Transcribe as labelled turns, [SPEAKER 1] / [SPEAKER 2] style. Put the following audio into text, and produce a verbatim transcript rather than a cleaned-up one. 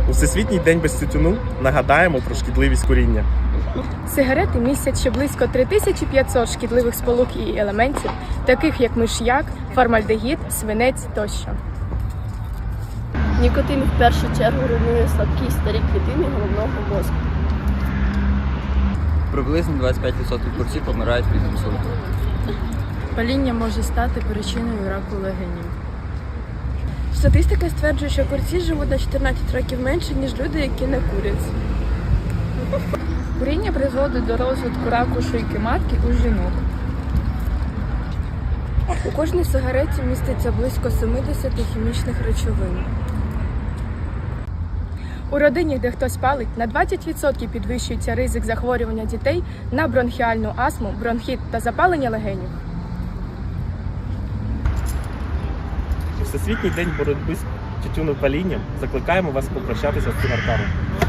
[SPEAKER 1] У Всесвітній день без тютюну нагадаємо про шкідливість куріння.
[SPEAKER 2] Сигарети містять ще близько три тисячі п'ятсот шкідливих сполук і елементів, таких як миш'як, формальдегід, свинець тощо.
[SPEAKER 3] Нікотин в першу чергу руйнує слабкі старі клітини головного мозку.
[SPEAKER 4] Приблизно двадцять п'ять відсотків курців помирають від інсульту.
[SPEAKER 2] Паління може стати причиною раку легенів.
[SPEAKER 3] Статистика стверджує, що курці живуть на чотирнадцять років менше, ніж люди, які не курять.
[SPEAKER 2] Куріння призводить до розвитку раку шийки матки у жінок.
[SPEAKER 3] У кожній сигареті міститься близько сімдесят хімічних речовин.
[SPEAKER 2] У родині, де хтось палить, на двадцять відсотків підвищується ризик захворювання дітей на бронхіальну астму, бронхіт та запалення легенів.
[SPEAKER 1] У Всесвітній день боротьби з тютюнопалінням закликаємо вас попрощатися з цигарками.